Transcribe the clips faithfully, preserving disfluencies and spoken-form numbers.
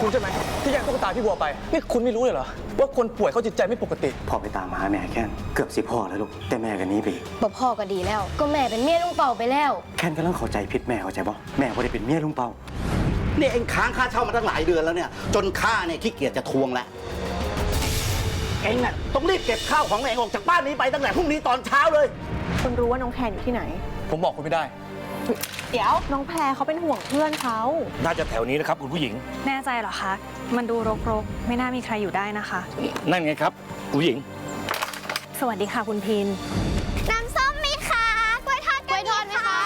คุณใช่ไหมที่แย่งตุ๊กตาพี่บัวไปนี่คุณไม่รู้เลยเหรอว่าคนป่วยเขาจิตใจไม่ปกติพ่อไปตามหาแม่แค่นเกือบสิพ่อแล้วลูกแต่แม่กันนี้ไปบ่พ่อก็ดีแล้วก็แม่เป็นเมียลุงเป่าไปแล้วแค่นกำลังเข้าใจผิดแม่เข้าใจบ่แม่ไม่ได้เป็นเมียลุงเปานี่เองค้างค่าเช่ามาตั้งหลายเดือนแล้วเนี่ยจนข้าเนี่ยขี้เกียจจะทวงแล้วเองน่ะต้องรีบเก็บข้าวของเองออกจากบ้านนี้ไปตั้งแต่พรุ่งนี้ตอนเช้าเลยคุณรู้ว่าน้องแพรอยู่ที่ไหนผมบอกคุณไม่ได้เดี๋ยวน้องแพรเขาเป็นห่วงเพื่อนเขาน่าจะแถวนี้นะครับคุณผู้หญิงแน่ใจเหรอคะมันดูรกๆไม่น่ามีใครอยู่ได้นะคะนั่นไงครับคุณผู้หญิงสวัสดีค่ะคุณพินน้ำส้มมีคะกล้วยทอดกล้วยทอดไหมคะ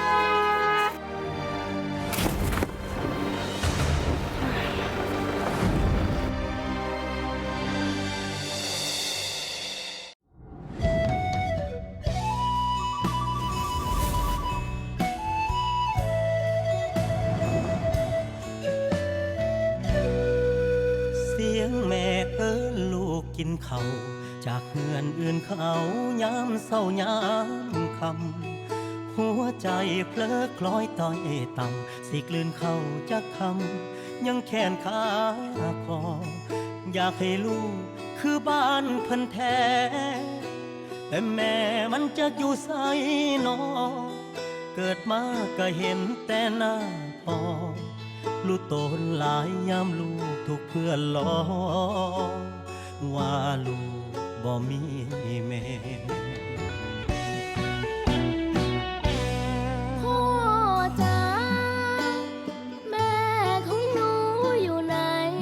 เสียงแม่เอิ้นลูกกินข้าวจากเฮือนอื่นเขายามเศร้ายามคำหัวใจเพลอคล้อยต้อยต่ำสิกลืนเข้าจากคำยังแขนขาคออยากให้ลูกคือบ้านเพิ่นแท้แต่แม่มันจะอยู่ไสนอเกิดมาก็เห็นแต่หน้าพ่อลูกโตนหลายยามลูกถูกเพื่อนล้อว่าลูกบ่มีแม่พ่อจ๋าแม่ของหนูอยู่ไหน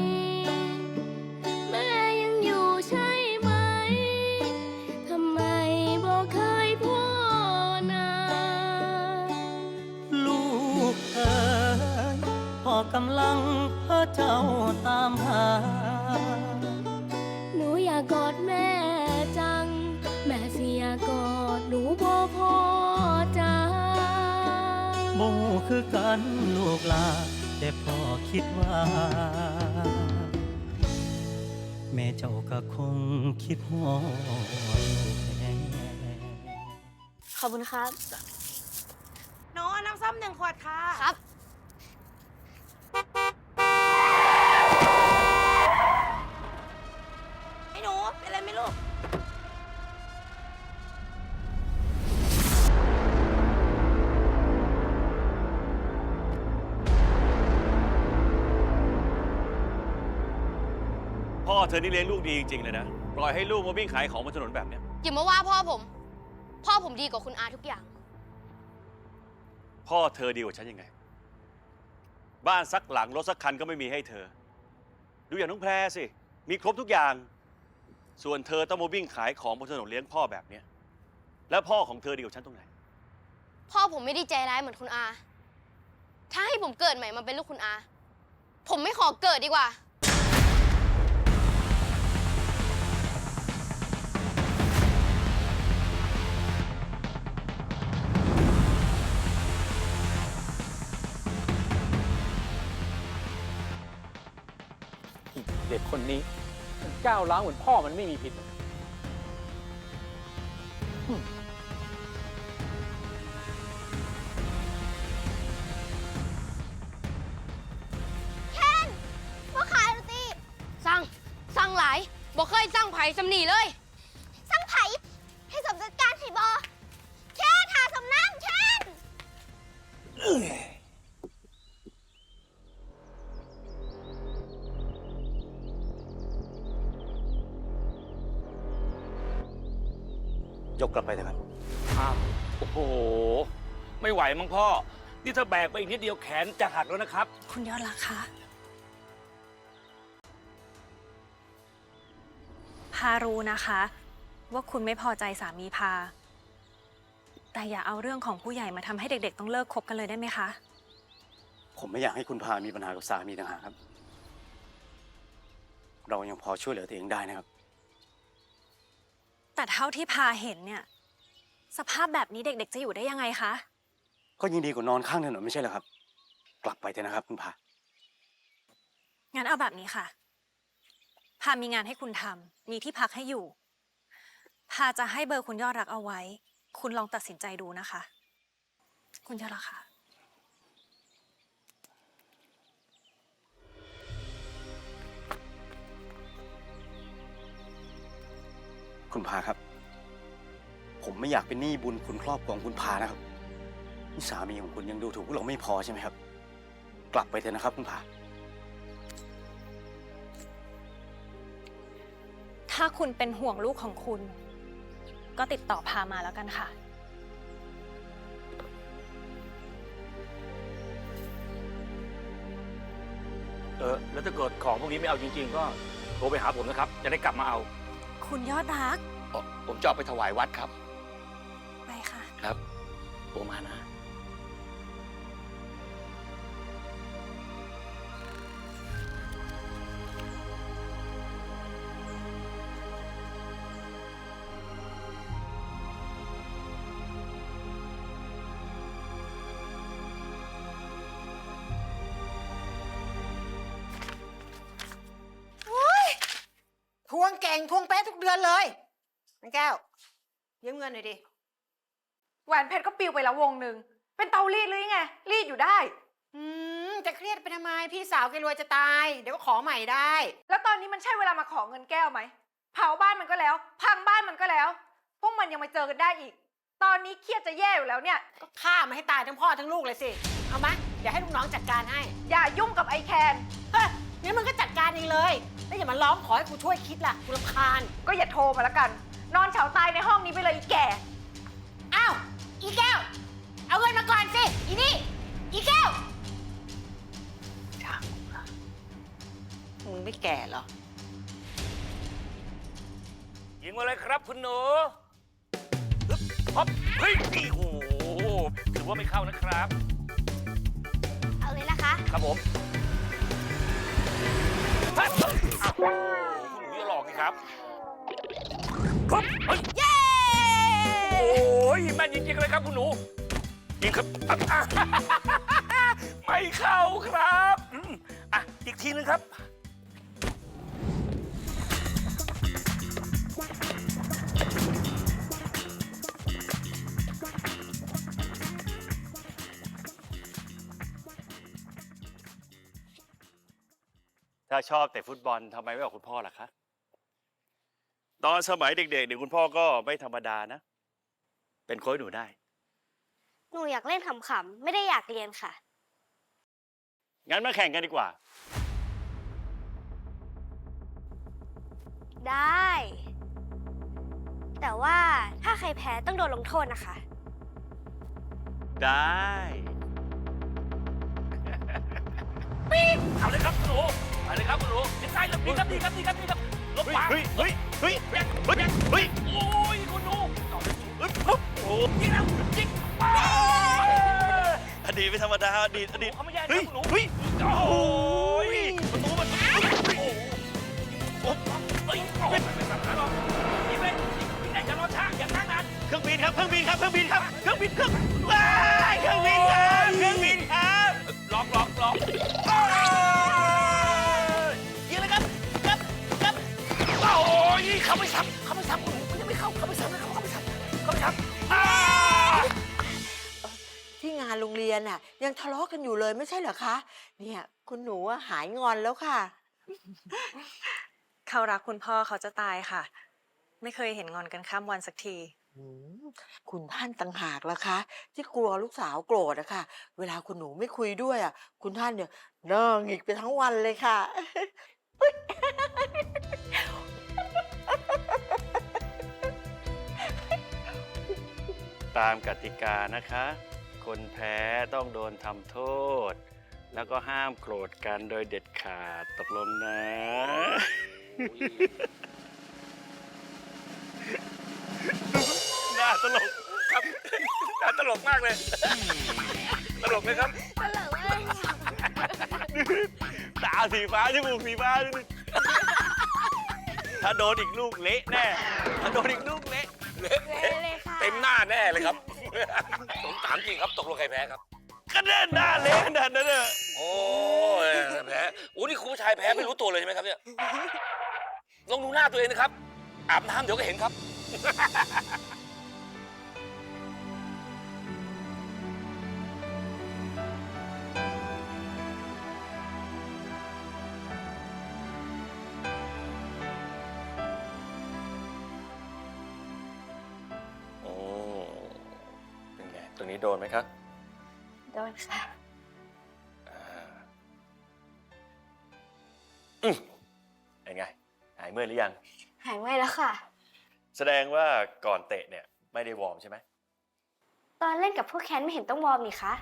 แม่ยังอยู่ใช่ไหมทำไมบอกเคยพ่อนาลูกเอ๋ยพ่อกำลังพาเจ้าตามหาหนูอยากกอดแม่จังแม่เสียกอดหนูบ่พอจ้าโมคือกันลูกลาแต่พ่อคิดว่าแม่เจ้าก็คงคิดฮอดลูกแน่ขอบคุณครับน้องน้ำส้มหนึ่งขวดค่ะครับไอ้หนูเป็นอะไรไม่รู้พ่อเธอนี่เลี้ยงลูกดีจริงๆเลยนะปล่อยให้ลูกมาวิ่งขายของบนถนนแบบเนี้ยอย่ามาว่าพ่อผม พ่อผมดีกว่าคุณอาทุกอย่างพ่อเธอดีกว่าฉันยังไงบ้านสักหลังรถสักคันก็ไม่มีให้เธอดูอย่างน้องแพรสิมีครบทุกอย่างส่วนเธอต้องมาวิ่งขายของบนถนนเลี้ยงพ่อแบบเนี้ยแล้วพ่อของเธอดีกว่าฉันตรงไหนพ่อผมไม่ได้ใจร้ายเหมือนคุณอาถ้าให้ผมเกิดใหม่มาเป็นลูกคุณอาผมไม่ขอเกิดดีกว่าเด็กคนนี้มันก้าวร้าวเหมือนพ่อมันไม่มีผิดเคนว่าขายโรตีสั่งสั่งหลายบอกเคยสั่งไผ่สำนีเลยสั่งไผ่ให้สมจัดการให้บอเคนหาสำน้ำเคนยกกลับไปเถอะครับอ้าวโอ้โหไม่ไหวมั้งพ่อนี่ถ้าแบกไปอีกนิดเดียวแขนจะหักแล้วนะครับคุณยอดรักคะพารู้นะคะว่าคุณไม่พอใจสามีพาแต่อย่าเอาเรื่องของผู้ใหญ่มาทำให้เด็กๆต้องเลิกคบกันเลยได้ไหมคะผมไม่อยากให้คุณพามีปัญหากับสามีต่างหากครับเรายังพอช่วยเหลือตัวเองได้นะครับแต่เท่าที่พาเห็นเนี่ยสภาพแบบนี้เด็กๆจะอยู่ได้ยังไงคะก็ยิ่งดีกว่านอนข้างถนนไม่ใช่เหรอครับกลับไปเถอะนะครับคุณพางั้นเอาแบบนี้ค่ะพามีงานให้คุณทำมีที่พักให้อยู่พาจะให้เบอร์คุณยอดรักเอาไว้คุณลองตัดสินใจดูนะคะคุณยอดรักค่ะคุณพาครับ ผมไม่อยากเป็นหนี้บุญคุณครอบครัวของคุณพานะครับนี่สามีของคุณยังดูถูกพวกเราไม่พอใช่ไหมครับ กลับไปเถอะนะครับคุณพาถ้าคุณเป็นห่วงลูกของคุณ ก็ติดต่อพามาแล้วกันค่ะเออ แล้วถ้าเกิดของพวกนี้ไม่เอาจริงๆ ก็โทรไปหาผมนะครับ จะได้กลับมาเอาคุณยอดรักผมจะเอาไปถวายวัดครับไปค่ะครับโทรมานะทวงเก่งทวงเป๊ะทุกเดือนเลยนังแก้วยืมเงินหน่อยดิแหวนเพชรก็ปลิวไปแล้ววงหนึ่ง เป็นเตารีดหรือไง รีดอยู่ได้อืมจะเครียดไปทำไมพี่สาวแกรวยจะตาย เดี๋ยวก็ขอใหม่ได้แล้วตอนนี้มันใช่เวลามาขอเงินแก้วไหม เผาบ้านมันก็แล้ว พังบ้านมันก็แล้ว พวกมันยังมาเจอกันได้อีก ตอนนี้เครียดจะแย่อยู่แล้วเนี่ยก็ฆ่ามันให้ตายทั้งพ่อทั้งลูกเลยสิ เอามะเดี๋ยวให้ลูกน้องจัดการให้อย่ายุ่งกับไอแคนเฮ้ยงั้นมึงก็จัดการเองเลยแล้วอย่ามาร้องขอให้กูช่วยคิดล่ะกูรำคาญก็อย่าโทรมาแล้วกัน นอนเฉาตายในห้องนี้ไปเลยอีแก่อ้าวอีแก้ว เอาเงินมาก่อนสิอีนี่อีแก้วมึงไม่แก่เหรอยิงมาเลยครับคุณหนูฮึบฮอบเฮ้ยนี่โอ้โหถือว่าไม่เข้านะครับเอาเลยนะคะครับผมเฮ้ยอ้าวคุณหนูอย่าหลอกสิครับครับเฮ้ยเย้โอ้ยแม่นจริงๆเลยครับคุณหนูยิงครับอ่ะไม่เข้าครับอืมอ่ะอีกทีนึงครับถ้าชอบแต่ฟุตบอลทำไมไม่บอกคุณพ่อล่ะคะ ตอนสมัยเด็กๆเนี่ยคุณพ่อก็ไม่ธรรมดานะ เป็นโค้ชหนูได้หนูอยากเล่นขำๆ ไม่ได้อยากเรียนค่ะงั้นมาแข่งกันดีกว่าได้ แต่ว่าถ้าใครแพ้ต้องโดนลงโทษนะคะได้เอาเลยครับคุณหนูเอาเลยครับคุณหนูดีใจเลยดีครับดีครับดีครับดีครับลบขวาเฮ้ยเฮ้ยเฮ้ยเฮ้ยเฮ้ยเฮ้ยโอ้ยคุณหนูเอาเลยฮึบฮึบโอ้ยิงแล้วยิงไปอดีตไม่ธรรมดาอดีตอดีตเขาไม่แย่นะเฮ้ยคุณหนูเฮ้ยโอ้ยประตูมันโอ้โหเฮ้ยโอ้ยยิงเลยยิงไหนจะรอช้าอย่าช้านานเครื่องบินครับเครื่องบินครับเครื่องบินครับเครื่องบินเครื่องว้ายเครื่องบินครับเครื่องบินครับล็อกล็อกล็อกยิงเลยครับครับครับโอ้ยเขาไม่ซ้ำเขาไม่ซ้ำคุณหนูมันยังไม่เข้าเขาไม่ซ้ำนะครับเขาไม่ซ้ำเขาไม่ซ้ำอ้าที่งานโรงเรียนน่ะยังทะเลาะกันอยู่เลยไม่ใช่เหรอคะ เนี่ยคุณหนูอะหายงอนแล้วค่ะเขารักคุณพ่อเขาจะตายค่ะ ไม่เคยเห็นงอนกันข้ามวันสักทีอืมคุณท่านต่างหากล่ะคะ ที่กลัวลูกสาวโกรธอะค่ะ เวลาคุณหนูไม่คุยด้วยอะคุณท่านเนี่ยเนิ่งอีกไปทั้งวันเลยค่ะตามกติกานะคะ คนแพ้ต้องโดนทำโทษ แล้วก็ห้ามโกรธกันโดยเด็ดขาดตกลงนะน่าตลกครับน่าตลกมากเลย ตลกไหมครับตลกเลยตาสีฟ้าจมูกสีฟ้าถ้าโดนอีกลูกเละแน่ ถ้าโดนอีกลูกเละเละเลยค่ะเต็มหน้าแน่เลยครับ ผมถามจริงครับตกลงใครแพ้ครับก็แน่หน้าเละขนาดนั้นเนอะโอ้ยแพ้โอ้นี่คุณผู้ชายแพ้ไม่รู้ตัวเลยใช่ไหมครับเนี่ยลองดูหน้าตัวเองนะครับ อาบน้ำเดี๋ยวก็เห็นครับตรงนี้โดนไหมครับโดนค่ะอ่าอืมเป็นไง หายเมื่อยหรือยังหายเมื่อยแล้วค่ะแสดงว่าก่อนเตะเนี่ยไม่ได้วอร์มใช่ไหมตอนเล่นกับพวกแคนไม่เห็นต้องวอร์มนี่คะ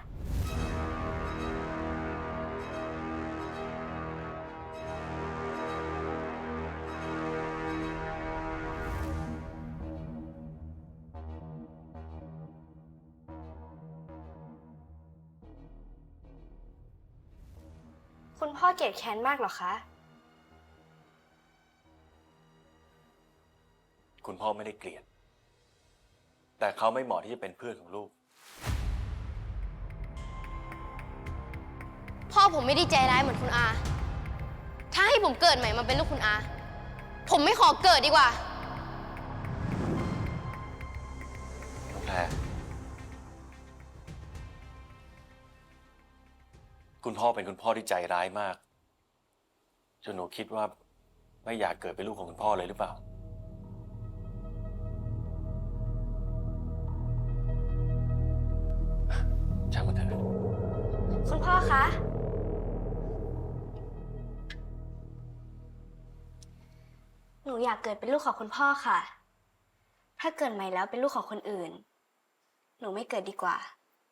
คุณพ่อเกลียดแคนมากเหรอคะคุณพ่อไม่ได้เกลียด แต่เขาไม่เหมาะที่จะเป็นเพื่อนของลูกพ่อผมไม่ได้ใจร้ายเหมือนคุณอา ถ้าให้ผมเกิดใหม่มาเป็นลูกคุณอา ผมไม่ขอเกิดดีกว่าน้องแพรคุณพ่อเป็นคุณพ่อที่ใจร้ายมาก จนหนูคิดว่าไม่อยากเกิดเป็นลูกของคุณพ่อเลยหรือเปล่า ช่างมันเถอะคุณพ่อคะ หนูอยากเกิดเป็นลูกของคุณพ่อค่ะ ถ้าเกิดใหม่แล้วเป็นลูกของคนอื่น หนูไม่เกิดดีกว่า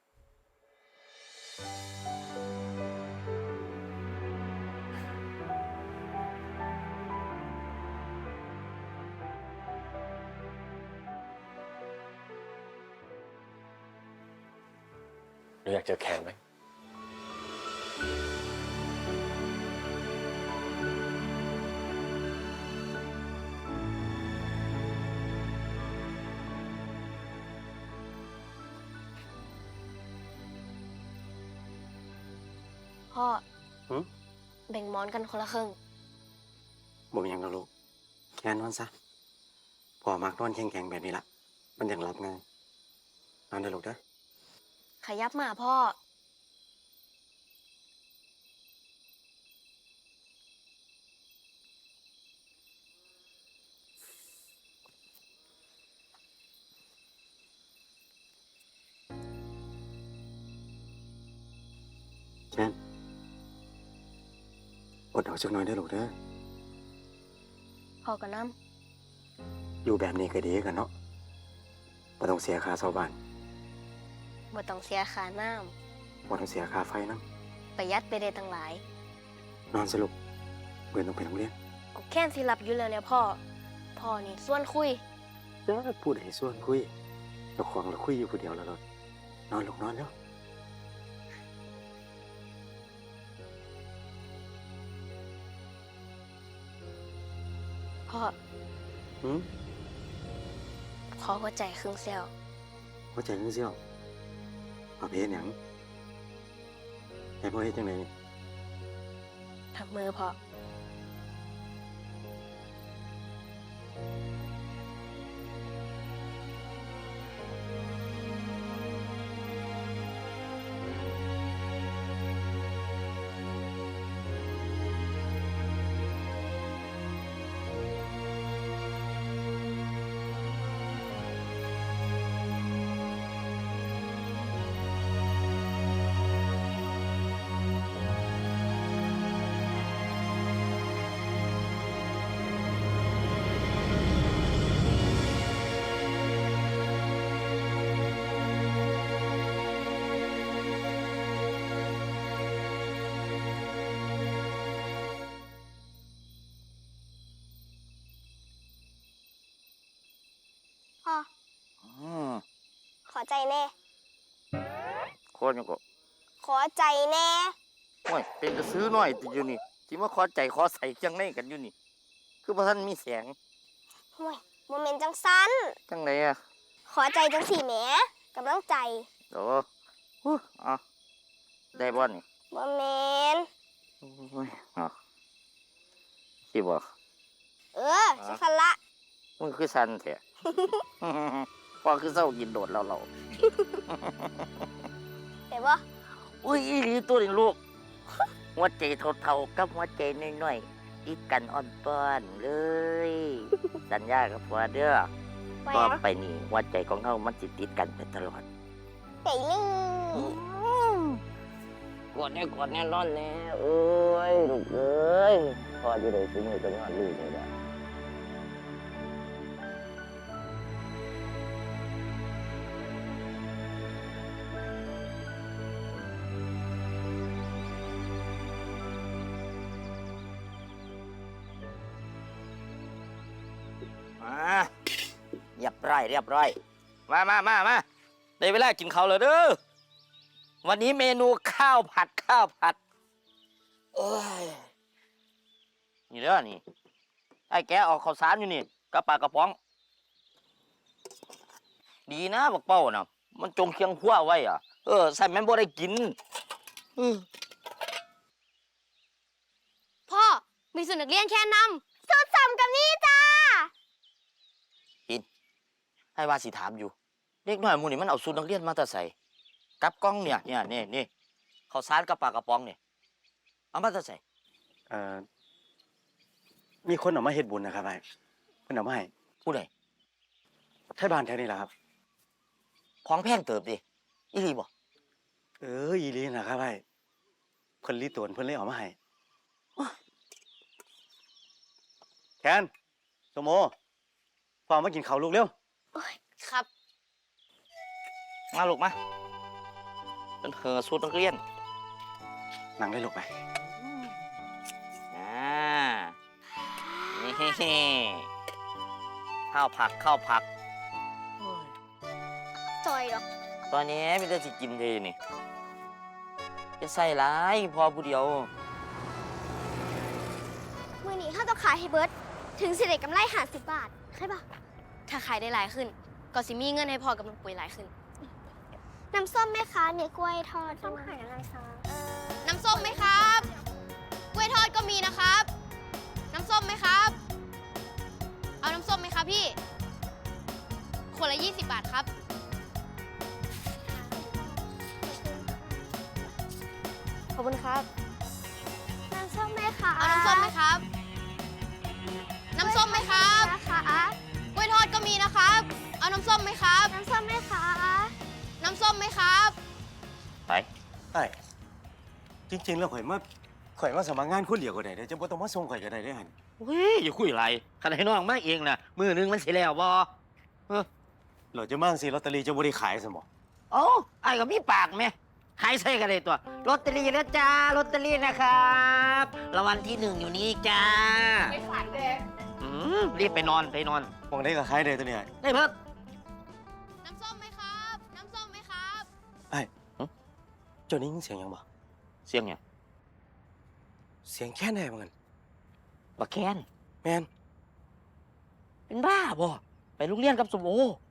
หนูอยากเจอแคนไหมพ่อหืมแบ่งหมอนกันคนละครึ่งบ่มีหยังนะลูกแค่นอนซะพ่อมักนอนแข็งๆแบบนี้ละมันยังหลับง่ายนอนเด้อลูกเด้อขยับมาพ่อแค่นอดเอาจักหน่อยเด้อลูกเด้อพ่อกับน้อยู่แบบนี้ก็ดีกันเนาะบ่ต้องเสียค่าเช่าบ้านำบ่ต้องเสียค่าน้บ่ต้องเสียค่าไฟนำำประหยัดไปได้ตั้งหลายนอนสรุปเบื่อต้องไปโรงเรียนกูแค่นสิหลับอยู่แล้วเนี่ยพ่อ พ่อนี่ส่วนคุยจ้าพูดให้ส่วนคุยเจ้าของเราคุยอยู่ผู้เดียวแล้วรถนอนลูกนอนแล้วพ่อหืมขอหัวใจครึ่งเซลล์หัวใจนึงเสียวเอาไปเฮ็ดหยังให้พ่อเฮ็ดจังไดนี่ทำมือพ่อ พ่ออืมขอใจแน่ขอจังก็ขอใจแน่โอ้ยเป็นกระซื้อหน่อยติอยู่นี่ที่มาขอใจขอใส่จังไดกันอยู่นี่ คือบ่ทันมีแสงห่วยโมเมนต์จังสั้นจังไดอะขอใจจังสี่แหมกำลังใจโอ้ฮู้อ่ะได้บ่นี่โมเมนต์โอ้ยอ่ะสิบ่เออสักคันละมึงคือสันแท้ พอคือเศร้ากินโดดแล้วเราเห็นปะอุ้ยอีหลีตัวนี้ลูก หัวใจเท่าๆกับหัวใจน้อยๆติดกันอ่อนป้อนเลย สัญญากับพ่อเด้อไปต่อนะไปนี่หัวใจของเฮามันสิติดกันไปตลอดไปลิงกดแน่กดแน่นอนแน่เอ้ยลูกเอ้ยพ่อจะได้ซื้อมือกันยอดลูกเลยนะมาเรียบร้อยเรียบร้อยมามามามาได้เวลากินข้าวแล้วเด้อวันนี้เมนูข้าวผัดข้าวผัดเอ้ยนี่เด้อนี่ไอ้แกออกข้าวสารอยู่นี่กระปากกระป๋อง ดีนะบักเป้าน่ะมันจงเคียงหัวไว้อ่ะเออใส่แม่นบ่ได้กินอือพ่อ มีสุนัขเรียนแค่นำสุดสำกับนี่จ้าปินให้ว่าสิถามอยู่เด็กน้อยหมู่นี่มันเอาสูตรนักเรียนมาแต่ใส่กับกล้องเนี่ยเนี่ยนี่นี่ข้าวสารกระปากกระป๋องเนี่ยเอามาแต่ใส่เอ่อมีคนเออกมาเฮ็ดบุญนะครับไอ้เพิ่นเอามาให้ผู้ใดไทบ้านแถวนี้แหละครับของแพงเติบดิอีหลีบ่เอออีหลีนะครับไอ้เพิ่นรีตวนเพิ่นเลยเอามาให้แคนสมโมฟังมากินข้าวลูกเร็วครับมาลูกมาเป็นเหอสูตรนักเรียนนั่งได้ลูกไปอ่านี่ข้าวผักข้าวผักจอยหรอกตอนนี้มีแต่สิกินเลยนี่จะใส่ร้ายพอผู้เดียวมื่อนี้ข้าต้องขายให้เบิร์ดถึงสิได้กำไรหาสิบบาทใช่ปะถ้าขายได้หลายขึ้น ก็สิมีเงินให้พอกับน้ำปุ๋ยหลายขึ้น น้ำส้มไหมคะเนี่ยกล้วยทอดส้มขายอะไรคะน้ำส้มไหมครับ กล้วยทอดก็มีนะครับ น้ำส้มไหมครับ เอาน้ำส้มไหมครับพี่ คนละยี่สิบบาทครับ ขอบคุณครับ น้ำส้มไหมคะ เอาน้ำส้มไหมครับ น้ำส้มไหมครับนะคะกล้วยทอดก็มีนะครับ เอาน้ำส้มไหมครับ น้ำส้มไหมคะ น้ำส้มไหมครับไปไอ้จริงๆแล้วข่อยมาข่อยมาสมัครงานคนเดียวก็ได้เด้อจะบ่ต้องมาส่งข่อยก็ได้เด้อหั่นเฮ้ยอย่าคุยอะไรขนาดให้น้องมาเองนะมือหนึงมันสิแล้วบ่เออเราจะมาจังซี่ลอตเตอรี่จะบ่ได้ขายซะบ่โอ้ไอ้ก็มีปากไหมขายใส่กันเลยตัวลอตเตอรี่นะจ้าลอตเตอรี่นะครับรางวัลที่หนึ่งอยู่นี่จ้าไม่ขายเลยอืมรีบไปนอนไปนอนมองได้ก็ขายได้ตัวเนี้ได้เพิ่มน้ำส้มไหมครับ น้ำส้มไหมครับไอ้เจ้านี้ยินเสียงหยังบ่เสียงไงเสียงแค่ไหนบ่งั้นบักแคนแม่นเป็นบ้าบ่ไปโรงเรียนกับสมโอ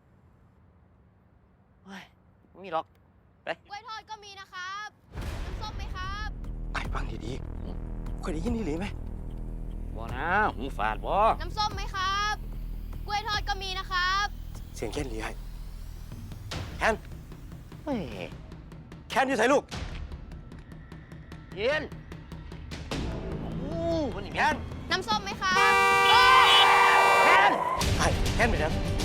เฮ้ยไม่มีหรอกไปกล้วยทอดก็มีนะครับ น้ำส้มไหมครับไอ้ฟังดีๆข่อยได้ยินอีหลีไหมบ่นะหูฝาดบ่น้ำส้มไหมครับ กล้วยทอดก็มีนะครับเสียงแค่นอีหลีไอ้แคนเฮ้ยแคนอยู่ไสลูกเย็นโอ้คนนี้แคนน้ำส้มไหมครับแคนไอ้แคนไปแล้ว